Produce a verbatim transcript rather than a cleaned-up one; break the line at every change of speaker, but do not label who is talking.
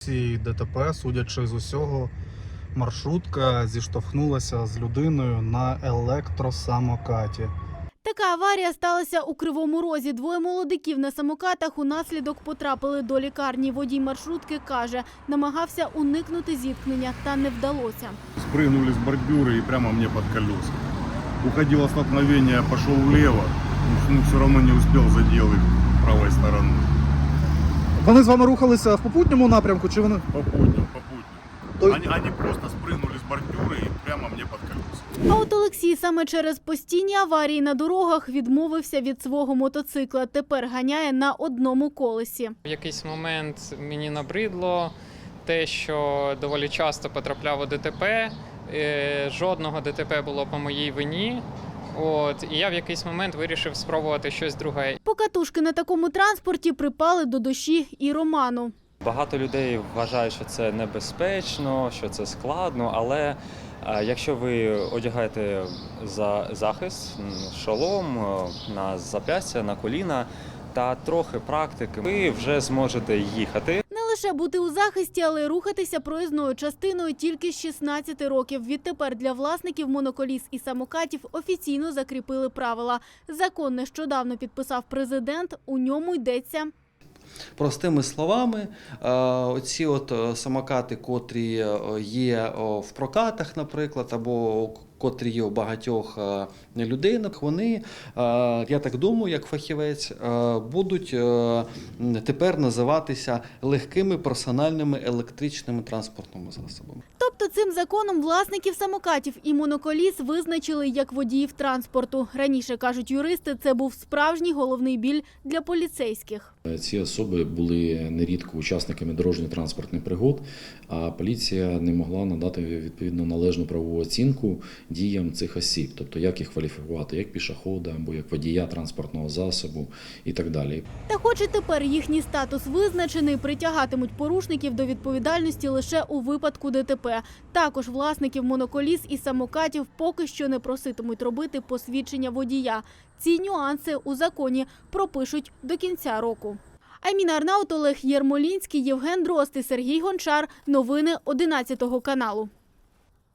ситуації ДТП, судячи з усього, маршрутка зіштовхнулася з людиною на електросамокаті.
Така аварія сталася у Кривому Розі. Двоє молодиків на самокатах унаслідок потрапили до лікарні. Водій маршрутки каже, намагався уникнути зіткнення, та не вдалося.
Спрыгнули с бордюра и прямо мне под колеса. Уходило столкновение, пошел влево, но все равно не успел, задел их правой стороной.
Вони з вами рухалися в попутньому напрямку, чи вони?
Попутно, попутно.
Той-
Они, они просто спрыгнули с бордюра и прямо мне под колеса.
А от Олексій саме через постійні аварії на дорогах відмовився від свого мотоцикла. Тепер ганяє на одному колесі.
В якийсь момент мені набридло те, що доволі часто потрапляв у ДТП. Е, Жодного ДТП було по моїй вині. От, і я в якийсь момент вирішив спробувати щось друге.
Покатушки на такому транспорті припали до душі і Роману.
Багато людей вважають, що це небезпечно, що це складно, але е, якщо ви одягаєте за захист, м, шолом е, на зап'ястя, на коліна та трохи практики, ви вже зможете їхати.
Не лише бути у захисті, але й рухатися проїзною частиною тільки з шістнадцяти років. Відтепер для власників моноколіс і самокатів офіційно закріпили правила. Закон нещодавно підписав президент, у ньому йдеться:
Простими словами, е, оці от е, самокати, котрі е, є о, в прокатах, наприклад, або котрі є у багатьох е, людей, вони, е, я так думаю, як фахівець, е, будуть е, тепер називатися легкими персональними електричними транспортними засобами.
Тобто цим законом власників самокатів і моноколіс визначили як водіїв транспорту. Раніше, кажуть юристи, це був справжній головний біль для поліцейських.
Ці особи були нерідко учасниками дорожньо-транспортних пригод, а поліція не могла надати відповідно належну правову оцінку діям цих осіб, тобто як їх кваліфікувати, як пішохода або як водія транспортного засобу і так далі.
Та хоч і тепер їхній статус визначений, притягатимуть порушників до відповідальності лише у випадку ДТП. Також власників моноколіс і самокатів поки що не проситимуть робити посвідчення водія. Ці нюанси у законі пропишуть до кінця року. Айміна Арнаут, Олег Єрмолінський, Євген Дрозд і Сергій Гончар. Новини одинадцятого каналу.